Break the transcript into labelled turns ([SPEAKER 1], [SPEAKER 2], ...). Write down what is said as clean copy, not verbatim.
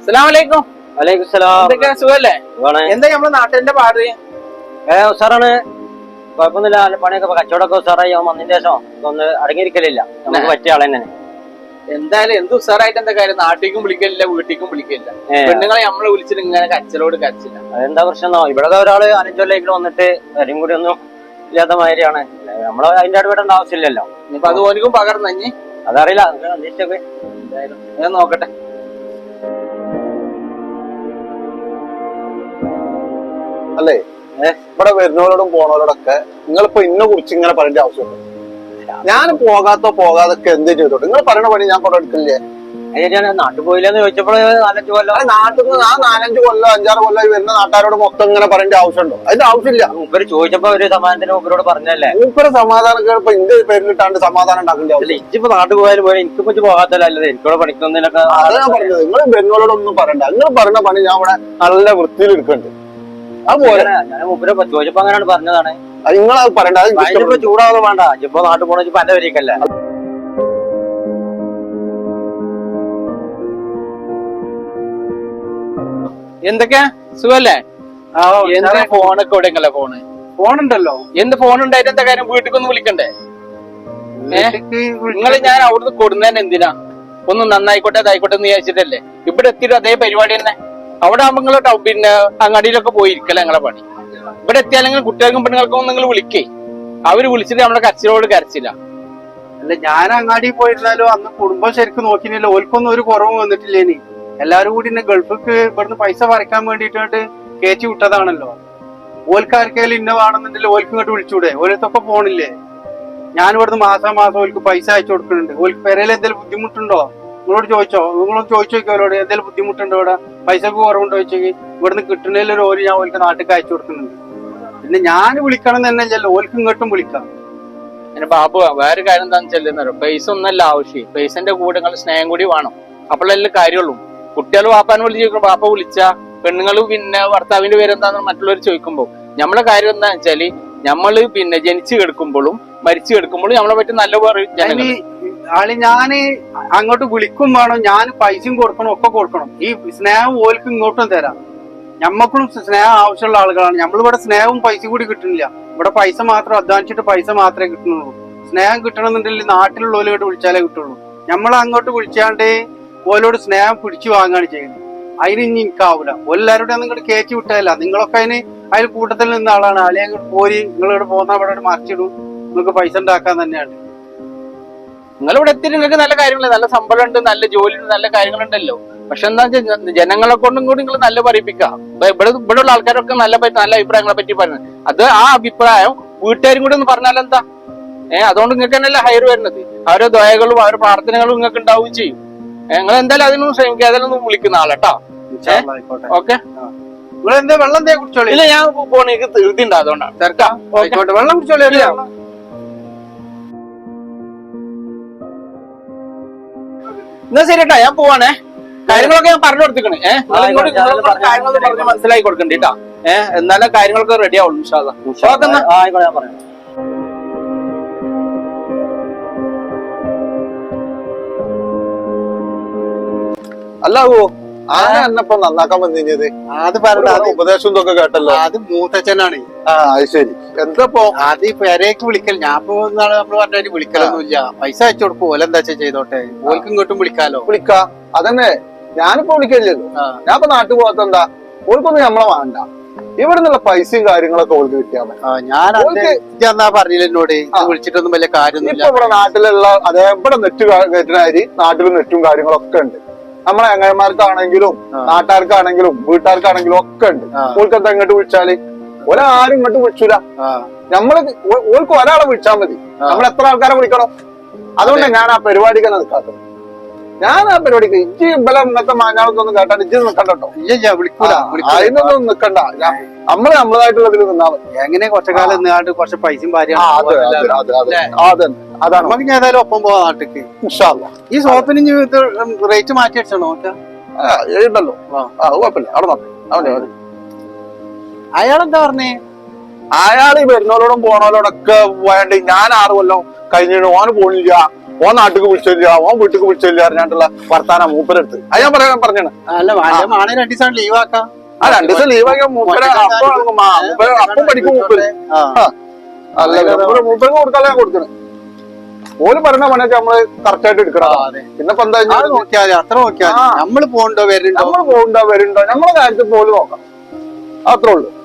[SPEAKER 1] അസ്സലാമലൈക്കും.
[SPEAKER 2] വലൈക്കും സലാം.
[SPEAKER 1] എന്തൊക്കെയാ സുഖല്ലേ? എന്താ നമ്മളെ നാട്ടിന്റെ പാട്?
[SPEAKER 2] ഉസാറാണ്, കുഴപ്പമൊന്നുമില്ല. പണിയൊക്കെ കച്ചവടമൊക്കെ ഉസാറായി. വന്നതിന് ശേഷം ഒന്ന് അടങ്ങിയിരിക്കലില്ല. നമുക്ക് പറ്റിയ ആൾ തന്നെ.
[SPEAKER 1] എന്തായാലും എന്ത് ഉസാറായിട്ട് എന്താ കാര്യം? നാട്ടിലേക്കും വിളിക്കലില്ല, വീട്ടിലേക്കും വിളിക്കില്ല. പെണ്ണുങ്ങളെ നമ്മളെ വിളിച്ചിട്ട് ഇങ്ങനെ കച്ചലോട് കരച്ചില്ല.
[SPEAKER 2] അതെന്താ പ്രശ്നം? ഇവിടെ ഒരാള് 5 കൊല്ലം വന്നിട്ട് കാര്യം കൂടി ഒന്നും ഇല്ലാത്ത മാതിരിയാണ്. നമ്മള് അതിന്റെ അടുവിടേണ്ട ആവശ്യമില്ലല്ലോ.
[SPEAKER 1] ഇപ്പൊ അത് ഓനിക്കും പകർന്നഞ്ഞ്
[SPEAKER 2] അതറിയില്ല. അന്വേഷിച്ചൊക്കെ
[SPEAKER 1] എന്തായാലും ഞാൻ നോക്കട്ടെ.
[SPEAKER 3] അല്ലേ ഇവിടെ വരുന്നവരോടും പോണവരോടൊക്കെ നിങ്ങളിപ്പോ ഇന്നെ കുറിച്ച് ഇങ്ങനെ പറയേണ്ട ആവശ്യമുണ്ട്. ഞാൻ പോകാതൊക്കെ എന്ത് ചെയ്തോട്ടെ? നിങ്ങൾ പറയണ പണി ഞാൻ കൊണ്ടു എടുക്കില്ലേ?
[SPEAKER 2] നാട്ടിൽ പോയില്ലെന്ന് ചോദിച്ചപ്പോൾ 4-5 കൊല്ലം
[SPEAKER 3] നാട്ടിൽ നിന്ന് 4-5 കൊല്ലം 5-6 കൊല്ലം വരുന്ന നാട്ടുകാരോട് മൊത്തം ഇങ്ങനെ പറയേണ്ട ആവശ്യമുണ്ടോ? അതിന്റെ ആവശ്യമില്ല.
[SPEAKER 2] മൂപ്പര് ചോദിച്ചപ്പോ ഒരു സമാധാനത്തിന് മൂപ്പരോട് പറഞ്ഞല്ലേ.
[SPEAKER 3] മൂപ്പര് സമാധാനം ഇപ്പൊ ഇന്ത്യ പേരിലിട്ടാണ്ട് സമാധാനം ഉണ്ടാക്കേണ്ട ആവശ്യം.
[SPEAKER 2] ഇച്ചിപ്പോ നാട്ടിൽ പോയാലും പോലെ എനിക്ക് പറ്റി പോകാത്തല്ലേ. എനിക്കൂടെ പഠിക്കുന്നതിനൊക്കെ
[SPEAKER 3] അതാ ഞാൻ പറഞ്ഞത്. നിങ്ങൾ വരുന്നവരോടൊന്നും പറയണ്ട. നിങ്ങൾ പറയുന്ന പണി ഞാൻ ഇവിടെ നല്ല വൃത്തിയിൽ എടുക്കുന്നുണ്ട്. അതുപോലെ
[SPEAKER 2] ഞാൻ മൂപ്പര് ചോദിച്ചപ്പോ അങ്ങനെയാണ് പറഞ്ഞതാണ്.
[SPEAKER 3] നിങ്ങളത് പറയണ്ട.
[SPEAKER 2] അതിനിപ്പോ ചൂടാവുക വേണ്ട. ഇപ്പൊ നാട്ടിൽ പോണ ഇപ്പൊ എന്റെ വരിക്കല്ലേ.
[SPEAKER 1] എന്തൊക്കെയാ സുഖല്ലേ? എന്താ ഫോണൊക്കെ എവിടെയല്ലേ? ഫോണുണ്ടല്ലോ. എന്ത് ഫോൺ ഉണ്ടായിട്ട് എന്താ കാര്യം? വീട്ടിലേക്കൊന്ന് വിളിക്കണ്ടേ? നിങ്ങൾ ഞാൻ അവിടുന്ന് കൊടുന്നതന്നെ എന്തിനാ? ഒന്ന് നന്നായിക്കോട്ടെ അതായിക്കോട്ടെ എന്ന് വിചാരിച്ചിട്ടല്ലേ. ഇവിടെ എത്തിയിട്ട് അതേ പരിപാടി തന്നെ. അവിടെ ആകുമ്പോ നിങ്ങൾ പിന്നെ അങ്ങാടിയിലൊക്കെ പോയിരിക്കല നിങ്ങളെ പണി. ഇവിടെ എത്തിയാലെങ്കിൽ കുട്ടികൾക്കും പെണ്ണുങ്ങൾക്കും നിങ്ങൾ വിളിക്കേ. അവര് വിളിച്ചിട്ട് നമ്മളെ കരച്ചിലോട് കരച്ചില്ല.
[SPEAKER 4] അല്ല, ഞാൻ അങ്ങാടി പോയിരുന്നാലോ അന്ന് കുടുംബം ശരിക്കും നോക്കിയില്ല. ഓൽക്കൊന്നും ഒരു കുറവും വന്നിട്ടില്ലേനി. എല്ലാരും കൂടി ഗൾഫിക്ക് ഇവിടുന്ന് പൈസ പറിക്കാൻ വേണ്ടിയിട്ട് കയറ്റി വിട്ടതാണല്ലോ. ഓൽക്കാർക്കായാലും ഇന്ന വേണമെന്നുണ്ടെങ്കിൽ ഓൽക്ക് ഇങ്ങോട്ട് വിളിച്ചൂടെ? ഓലത്തൊക്കെ പോണില്ലേ? ഞാൻ ഇവിടുന്ന് മാസം ഓൽക്ക് പൈസ അയച്ചു കൊടുക്കുന്നുണ്ട്. ഓൽക്ക് പെരയിൽ എന്തെങ്കിലും ബുദ്ധിമുട്ടുണ്ടോ? നിങ്ങളോട് നിങ്ങളോട് ചോദിച്ചു നോക്കിയോ അവരോട് എന്തെങ്കിലും ബുദ്ധിമുട്ടുണ്ടോ? ഇവിടെ പൈസക്ക് കുറവുണ്ടോ ചോദിച്ചെങ്കിൽ ഇവിടുന്ന് കിട്ടുന്നതിലൊരു ഓല് ഞാൻ ഓൽക്ക് നാട്ടിലേക്ക് അയച്ചു കൊടുക്കുന്നുണ്ട്. പിന്നെ ഞാൻ വിളിക്കണം തന്നെ അല്ലല്ലോ, ഓൽക്ക് ഇങ്ങോട്ടും വിളിക്കാം.
[SPEAKER 1] പിന്നെ ബാബു വേറെ കാര്യം എന്താണെന്ന് ചെല്ലുന്നോ, പൈസ ഒന്നല്ല ആവശ്യം. പൈസന്റെ കൂടെ നിങ്ങൾ സ്നേഹം കൂടി വേണം. അപ്പോഴല്ലേ കാര്യമുള്ളൂ. കുട്ടികൾ വാപ്പാനെ വിളിച്ച് ചോദിക്കുമ്പോ വാപ്പ വിളിച്ച പെണ്ണുങ്ങൾ പിന്നെ ഭർത്താവിന്റെ പേരെന്താന്ന് മറ്റുള്ളവർ ചോദിക്കുമ്പോ നമ്മളെ കാര്യം എന്താ വെച്ചാല് നമ്മള് പിന്നെ ജനിച്ചു കിടക്കുമ്പോഴും മരിച്ചു കിടക്കുമ്പോഴും നമ്മളെ പറ്റി നല്ല
[SPEAKER 4] ആള് ഞാന് അങ്ങോട്ട് വിളിക്കും വേണം, ഞാൻ പൈസയും കൊടുക്കണം, ഒക്കെ കൊടുക്കണം. ഈ സ്നേഹം ഓൽക്ക് ഇങ്ങോട്ടും തരാം. ഞമ്മക്കും സ്നേഹം ആവശ്യമുള്ള ആളുകളാണ്. നമ്മളിവിടെ സ്നേഹവും പൈസയും കൂടി കിട്ടുന്നില്ല. ഇവിടെ പൈസ മാത്രം അധ്വാനിച്ചിട്ട് പൈസ മാത്രമേ കിട്ടുന്നുള്ളൂ. സ്നേഹം കിട്ടണമെന്നുണ്ടെങ്കിൽ നാട്ടിലുള്ളവരോട് വിളിച്ചാലേ കിട്ടുള്ളൂ. നമ്മൾ അങ്ങോട്ട് വിളിച്ചാണ്ട് ഓലോട് സ്നേഹം പിടിച്ചു വാങ്ങാണ് ചെയ്യുന്നത്. അതിന് ഇനി എനിക്കാവൂല. എല്ലാവരുടെ നിങ്ങോട്ട് കയറ്റി വിട്ടതല്ല. നിങ്ങളൊക്കെ അതിൽ കൂട്ടത്തിൽ നിന്ന ആളാണ്. അല്ലെങ്കിൽ പോരി നിങ്ങളിവിടെ പോകുന്ന അവിടെ മറിച്ചിടും, നിങ്ങൾക്ക് പൈസ ഉണ്ടാക്കാൻ തന്നെയാണ്.
[SPEAKER 1] നിങ്ങളിവിടെ എത്തി നിങ്ങൾക്ക് നല്ല കാര്യങ്ങളുണ്ട്, നല്ല ശമ്പളം ഉണ്ട്, നല്ല ജോലി ഉണ്ട്, നല്ല കാര്യങ്ങളുണ്ടല്ലോ. പക്ഷെ എന്താ വെച്ചാൽ ജനങ്ങളെ കൊണ്ടും കൂടി നിങ്ങൾ നല്ല പറയിപ്പിക്കാം. ഇവിടെ ഉള്ള ആൾക്കാരൊക്കെ നല്ല അഭിപ്രായങ്ങളെ പറ്റി പറയുന്നത്. അത് ആ അഭിപ്രായം വീട്ടുകാരും കൂടി ഒന്ന് പറഞ്ഞാലെന്താ? അതുകൊണ്ട് നിങ്ങൾക്ക് തന്നെയല്ലേ ഹയർ വരുന്നത്. അവരുടെ ദയകളും അവരുടെ പ്രാർത്ഥനകളും നിങ്ങൾക്ക് ഉണ്ടാവുകയും ചെയ്യും. നിങ്ങൾ എന്തായാലും അതിനൊന്നും ശ്രമിക്കുക. അതിനൊന്നും വിളിക്കുന്ന ആളാട്ടോ. ഓക്കെ,
[SPEAKER 4] നിങ്ങൾ എന്താ വെള്ളം കുടിച്ചോളി?
[SPEAKER 1] ഇല്ല, ഞാൻ പോണ എനിക്ക് ധൃതി ഉണ്ട്, അതുകൊണ്ടാണ്. തിരക്കാം.
[SPEAKER 4] വെള്ളം കുടിച്ചോളി.
[SPEAKER 1] എന്നാ ശരി കേട്ടോ, ഞാൻ പോവാണേ. കാര്യങ്ങളൊക്കെ ഞാൻ പറഞ്ഞു കൊടുത്തിക്കണേ. കാര്യങ്ങളൊക്കെ പറഞ്ഞ് മനസ്സിലാക്കി കൊടുക്കണ്ടേ കേട്ടോ. എന്നാലും കാര്യങ്ങളൊക്കെ റെഡി ആവുള്ളൂ. ഇൻഷാ അല്ലാഹ്.
[SPEAKER 3] അല്ലാവോ ആന എന്നപ്പോ നന്നാക്കാൻ വന്നിഞ്ഞത്?
[SPEAKER 4] അത് പറഞ്ഞ
[SPEAKER 3] ഉപദേശം ഇതൊക്കെ കേട്ടല്ലോ.
[SPEAKER 4] അത് മൂത്തച്ഛനാണ്.
[SPEAKER 3] അത് ശരി. എന്തപ്പോ
[SPEAKER 4] അത് പെരേക്ക് വിളിക്കൽ. ഞാൻ പോകുന്നാള് നമ്മള് പറഞ്ഞാൽ വിളിക്കലൊന്നുമില്ല. പൈസ അയച്ചു കൊടുക്കും. ഓലെന്താ ചെയ്തോട്ടെ, ഓൽക്ക് ഇങ്ങോട്ടും വിളിക്കാലോ.
[SPEAKER 3] വിളിക്കാം. അതന്നെ ഞാനിപ്പോ വിളിക്കല്ലോ. ഞാൻ ഇപ്പൊ നാട്ടിൽ പോകത്തെന്താ, ഓൽക്കൊന്നും നമ്മളെ വേണ്ട. ഇവിടെ നിന്നുള്ള പൈസയും കാര്യങ്ങളൊക്കെ ഓൾക്ക് കിട്ടിയാൽ മതി.
[SPEAKER 4] ഞാൻ പറഞ്ഞില്ല എന്നോട് വിളിച്ചിട്ടൊന്നും വലിയ കാര്യമൊന്നുമില്ല.
[SPEAKER 3] ഇവിടെ നാട്ടിലുള്ള അതേ ഇവിടെ നെറ്റ് കയറ്റുന്നവര് നാട്ടിലും നെറ്റും കാര്യങ്ങളൊക്കെ ഉണ്ട്. നമ്മളെ ചങ്ങായിമാർക്കാണെങ്കിലും നാട്ടുകാർക്കാണെങ്കിലും വീട്ടുകാർക്കാണെങ്കിലും ഒക്കെ ഉണ്ട്. ഓൾക്ക് എന്താ ഇങ്ങോട്ട് വിളിച്ചാല് ഒരാരും ഇങ്ങോട്ട് വിളിച്ചൂല. നമ്മള് ഓൾക്ക് ഒരാളെ വിളിച്ചാൽ മതി. നമ്മൾ എത്ര ആൾക്കാരെ വിളിക്കണം? അതുകൊണ്ടാണ് ഞാൻ ആ പരിപാടിക്ക് നിൽക്കാത്തത്. ഞാൻ ആ പരിപാടിക്ക് ഇജ്ജ് ബലം ഇന്നത്തെ മാഞ്ഞാളത്തൊന്നും കേട്ടാൽ ഇജ്ജ് നിൽക്കണ്ടോ?
[SPEAKER 4] ഇല്ല, വിളിക്കൂല.
[SPEAKER 3] അതിനൊന്നും നിൽക്കണ്ട. നമ്മള് നമ്മളതായിട്ടുള്ളതിൽ നിന്നാ മതി.
[SPEAKER 4] എങ്ങനെ കുറച്ചുകാലം നിന്നാണ്ട് കുറച്ച് പൈസയും ഭാര്യയാണ്.
[SPEAKER 3] അതാണ്
[SPEAKER 4] നമുക്ക് ഏതായാലും ഒപ്പം പോവാ നാട്ടിക്ക്. ഈ സോപ്പിന് റേറ്റ് മാറ്റി അടിച്ചോ?
[SPEAKER 3] എഴുതല്ലോ. കുഴപ്പമില്ല. അവിടെ നോക്കാം.
[SPEAKER 4] അയാളെന്താ പറഞ്ഞേ?
[SPEAKER 3] അയാൾ ഈ വരുന്നവരോടും പോണവരോടൊക്കെ വേണ്ടി ഞാൻ 6 കൊല്ലം കഴിഞ്ഞിട്ട് ഓന് പോണില്ല, ഓൻ നാട്ടിക്ക് വിളിച്ചില്ല, ഓൻ വീട്ടിക്ക് വിളിച്ചില്ല അറിഞ്ഞാണ്ടുള്ള വർത്താനം മൂപ്പരെടുത്ത്. അത് ഞാൻ പറഞ്ഞാണ്.
[SPEAKER 4] അല്ല മാണെ 2 ദിവസം ലീവാക്കാം.
[SPEAKER 3] ആ 2 ദിവസം ലീവാക്കിയ മൂപ്പര് അപ്പം പഠിക്കും മൂപ്പര്. അല്ല മൂപ്പർക്ക് കൊടുക്കാതെ ഞാൻ കൊടുക്കണേ. ഓല് പറഞ്ഞ പണിയൊക്കെ നമ്മള് കറക്റ്റ് ആയിട്ട് എടുക്കണം. പിന്നെ ഇപ്പൊ എന്താ
[SPEAKER 4] നോക്കിയാൽ അത്ര നോക്കിയാൽ നമ്മള് പോകണ്ടോ വരുന്നുണ്ടോ,
[SPEAKER 3] നമ്മള് പോകണ്ടോ വരുന്നുണ്ടോ, നമ്മളെ കാര്യത്തിൽ പോലും നോക്കാം. അത്രേ ഉള്ളൂ.